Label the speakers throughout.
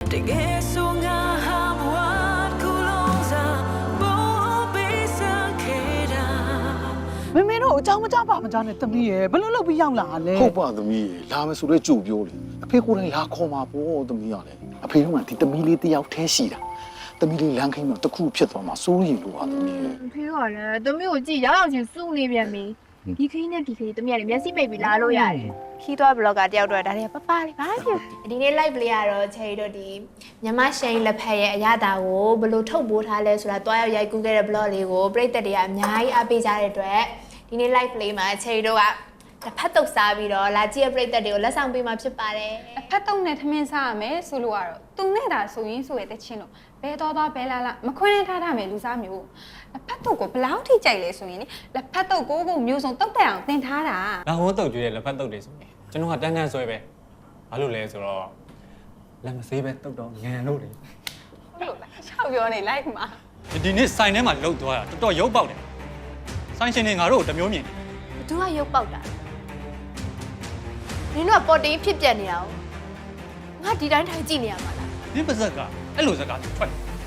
Speaker 1: 妹妹တို့အကြောင်းမကြပါမကြနဲ့သမီးရဲ့ဘယ်လိုလုပ်ပြီးရောက်လာလဲ
Speaker 2: ဟုတ်ပါသမီးရေလာမယ်ဆိုတော့ကြို့ပြောလေအဖေကိုယ်တိုင်လာခေါ်မှာပေါ့သမီးရလေအဖေကဒီသမီးလေးတယောက်တည်းရှိတာသမီးလေးလမ်းခိမ်းတော့တခုဖြစ်သွားမှာစိုးရိမ်လို့ပါသမီးရေ
Speaker 3: ဖေကလည်းသမီးကိုကြည့်ရောက်ရောက်ချင်းစုနေပြန်ပြီဒီခင်းနဲ့ဒီခင်းသမီးကလည်းမျက်စိပိတ်ပြီးလာလို့ရတယ်ခီးသွားဘလော့ကတယောက်တော့ဒါတွေကပပလေးဘာဖြစ်ဒီနေ့ live လေးကတော့ချယ်ရီတို့ဒီမြမရှိန်လက်ဖက်ရဲ့အရသာကိုဘယ်လိုထုတ်ပိုးထားလဲဆိုတာတွားရောက်ရိုက်ကူးခဲ့တဲ့ blog လေးကိုပရိသတ်တွေကအများကြီးအားပေးကြတဲ့အတွက်ဒီနေ့ live လေးမှာချယ်ရီတို့ကတစ်ဖက်တုပ်စားပြီးတော့လာကြည့်ရပရိသတ်တွေကိုလက်ဆောင်ပေးမှာဖြစ်ပါတယ်
Speaker 4: အဖက်တုံးနဲ့ထမင်းစားရမယ်ဆိုလို့ကတော့သူနဲ့တာဆိုရင်ဆိုရတဲ့ချင်းလို့ဘဲတော်ဘဲလာမခွင်းနဲ့ထားထားမယ်လူစားမျိုးလက်ဖက်တုပ်ကိုဘလောက်ထိကြိုက်လဲဆိုရင်လက်ဖက်တုပ်ကိုမျိုးစုံတုတ်တက်အောင်သင်ထားတာ
Speaker 5: လာဟောတုတ်ကျွေးတဲ့လက်ဖက်တုတ်တွေဆိုရင်ကျွန်တော်ကတန်းတန်းဆွဲပဲဘာလို့လဲဆိုတော့လက်မစေးပဲတုတ်တော့ငန်လို့လေ
Speaker 4: ဟုတ်လို့လားရှောက်ပြောနေလိုက်မှာ
Speaker 5: ဒီနေ့ဆိုင်ထဲမှာလှုပ်သွားတာတော်တော်ရုပ်ပေါက်တယ်ဆိုင်ရှင်တွေငါတို့ကိုတမျိုးမြင်
Speaker 3: ဘသူကရုပ်ပေါက်တာနင်တို့ကပေါ်တင်ဖြစ်ပြနေအောင်ငါဒီတိုင်းထိုင်ကြည့်နေရမှာလား
Speaker 5: နင်းပါဇက်ကအဲ့လိုဇက်ကထွက်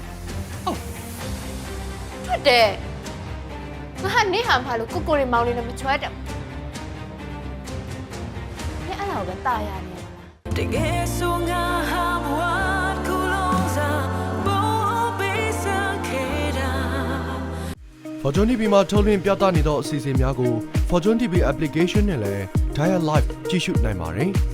Speaker 3: ထွက်တယ်ငါနေဟာမလို့ကိုကိုရီမောင်လေးနဲ့မချွတ်တယ်နင်အဲ့လောက်ပဲတာရနေလားတကယ်ဆိုငါဟာဘဝကူလုံးစားဘောပေးစခဲ့တာ
Speaker 6: Fortune TV မှာထုတ်လွှင့်ပြသနေသောအစီအစဉ်များကို Fortune TV application နဲ့လည်း Dial Live ကြည့်ရှုနိုင်ပါတယ်။